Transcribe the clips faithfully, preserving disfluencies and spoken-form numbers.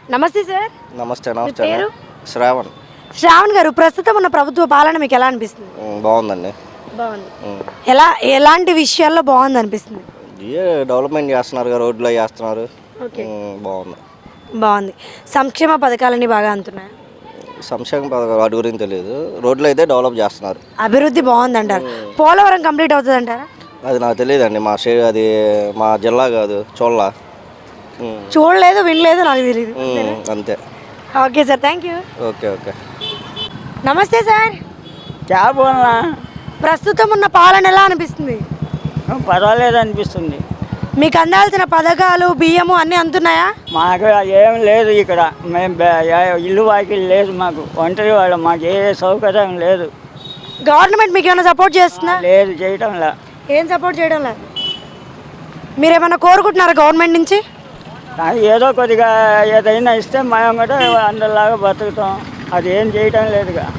నమస్తే సార్. నమస్తే మీ నమస్తే పేరు? శ్రావణ్. శ్రావణ్ గారు, ప్రస్తుతం ఉన్న ప్రభుత్వ పాలన మీకు ఎలా అనిపిస్తుంది? ఉమ్, బాగుందండి. బాగుంది. ఉమ్. ఎలా ఎలాంటి విషయాల్లో బాగుంది అనిపిస్తుంది? ఏ డెవలప్మెంట్ చేస్తున్నారు కదా, రోడ్లు అవి చేస్తున్నారు. ఓకే. ఉమ్, బాగుంది. బాగుంది. సంక్షేమ పథకాలన్నీ బాగా అందుతున్నాయి. సంక్షేమ పథకాలు వాటి గురించి తెలియదు, రోడ్లు అయితే డెవలప్ చేస్తున్నారు. అభివృద్ధి బాగుంది అంటారు. పోలవరం కంప్లీట్ అవుతుంది అంటారా? అది నాకు తెలియదండి, మా షే అది మా జిల్లా కాదు, చోళ్ళ. ఉమ్, చూడలేదు, వినలేదు, నాకు తెలియదు. ఉమ్, అంతే. Okay sir, thank you. Okay okay. నమస్తే సార్. क्या बोलना ప్రస్తుతం ఉన్న పాలన ఎలా అనిపిస్తుంది? పర్వాలేదు అనిపిస్తుంది. మీకు అందాల్సిన పథకాలు, బియ్యము అన్నీ అందుతున్నాయా? మాకు ఏం లేదు ఇక్కడ. మేము బే- ఏ- ఇల్లు వాకిలు లేదు మాకు. ఒంటరి వాళ్ళం, మాకు ఏ సౌకర్యం లేదు. గవర్నమెంట్ మీకు ఏమైనా సపోర్ట్ చేస్తుందా? లేదు చేయటంలా. ఏం సపోర్ట్ చేయడం లేదు. మీరు ఏమైనా కోరుకుంటున్నారా గవర్నమెంట్ నుంచి? కానీ ఏదో కొద్దిగా ఏదైనా ఇస్తే మేము కూడా అందరిలాగా బతుకుతాం. అది ఏం చేయటం లేదుగా.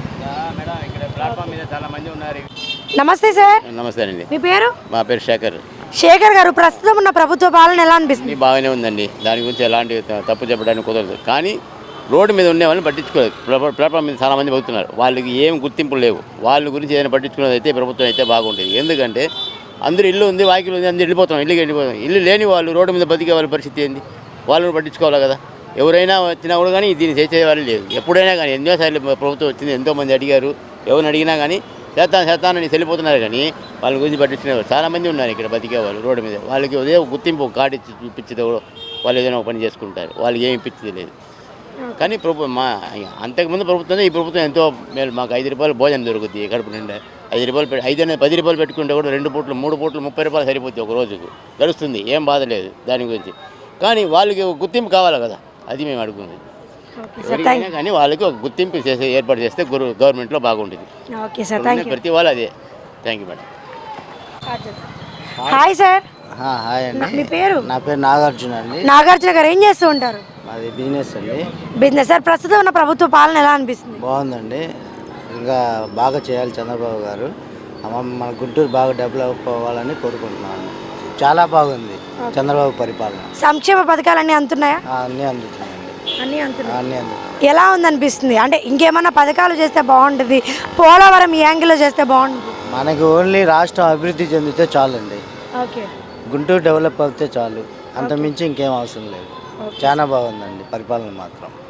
నమస్తే సార్. నమస్తే అండి. మీ పేరు? మా పేరు శేఖర్. శేఖర్ గారు, ప్రస్తుతం ఉన్న ప్రభుత్వ పాలన ఎలా అనిపిస్తుంది? ఇది బాగానే ఉందండి, దాని గురించి ఎలాంటి త- తప్పు చెప్పడానికి కుదరదు. కానీ రోడ్డు మీద ఉండే వాళ్ళని పట్టించుకోలేదు. ప్లాట్ఫా- ప్లాట్ఫామ్ మీద చాలామంది పోతున్నారు, వాళ్ళకి ఏం గుర్తింపు లేవు. వాళ్ళ గురించి ఏదైనా పట్టించుకున్నది అయితే ప్రభుత్వం అయితే బాగుంటుంది. ఎందుకంటే అందరూ ఇల్లు ఉంది, వాకిలు ఉంది, అందరూ వెళ్ళిపోతాం, ఇల్లుకి వెళ్ళిపోతాం. ఇల్లు లేని వాళ్ళు రోడ్డు మీద బతికే వాళ్ళ పరిస్థితి ఏంది? వాళ్ళని పట్టించుకోవాలి కదా. ఎవరైనా వచ్చినా కూడా కానీ దీన్ని చేసేవాళ్ళు లేదు. ఎప్పుడైనా కానీ ఎన్నోసార్లు ప్రభుత్వం వచ్చింది, ఎంతోమంది అడిగారు. ఎవరిని అడిగినా కానీ చేస్తాను చేస్తానని వెళ్ళిపోతున్నారు. కానీ వాళ్ళ గురించి పట్టించుకునేవారు చాలామంది ఉన్నారు ఇక్కడ బతికే వాళ్ళు రోడ్డు మీద. వాళ్ళకి ఉదయం గుర్తింపు కార్డు ఇచ్చి ఇప్పించేది వాళ్ళు ఏదైనా ఒక పని చేసుకుంటారు. వాళ్ళకి ఏమి ఇప్పించేది లేదు. కానీ ప్రభు మా అంతకుముందు ప్రభుత్వం, ఈ ప్రభుత్వం ఎంతో మేలు. మాకు ఐదు రూపాయలు భోజనం దొరుకుతుంది కడుపు నిండా. ఐదు రూపాయలు పెట్టి ఐదు అనేది పది రూపాయలు పెట్టుకుంటే కూడా రెండు పూట్లు మూడు పూట్లు ముప్పై రూపాయలు సరిపోతుంది ఒక రోజుకు, గడుస్తుంది. ఏం బాధ లేదు దాని గురించి. కానీ వాళ్ళకి ఒక గుర్తింపు కావాలి కదా, అది మేము అడుగుతుంది. ఎవరికైనా కానీ వాళ్ళకి ఒక గుర్తింపు చేసే ఏర్పాటు చేస్తే గురు గవర్నమెంట్లో బాగుంటుంది. Okay sir, thank you. ప్రతి వాళ్ళు అదే. Thank you madam. Hi sir. Hi అండి. మీ పేరు? నా పేరు నాగార్జున అండి. నాగార్జున గారు, ఏం చేస్తూ ఉంటారు? మాది బిజినెస్ అండి. బిజినెస్. సార్, ప్రస్తుతం ఉన్న ప్రభుత్వ పాలన ఎలా అనిపిస్తుంది? బాగుందండి. ఇంకా బాగా చేయాలి చంద్రబాబు గారు. మన మన గుంటూరు బాగా డెవలప్ అవ్వాలని కోరుకుంటున్నాను. చాలా బాగుంది చంద్రబాబు పరిపాలన. సంక్షేమ పథకాలన్నీ అందుతున్నాయా? ఆ, అన్నీ అందుతున్నాయండి. అన్నీ అందుతున్నాయి. అన్నీ అందుతున్నాయి. ఎలా ఉందనిపిస్తుంది? అంటే ఇంకేమన్నా పథకాలు చేస్తే బాగుంటుంది, పోలవరం ఈ యాంగిల్లో చేస్తే బాగుంటుంది? మనకి ఓన్లీ రాష్ట్రం అభివృద్ధి చెందితే చాలండి. ఓకే. గుంటూరు డెవలప్ అవుతే చాలు, అంత మించి ఇంకేం అవసరం లేదు. చాలా బాగుందండి పరిపాలన మాత్రం.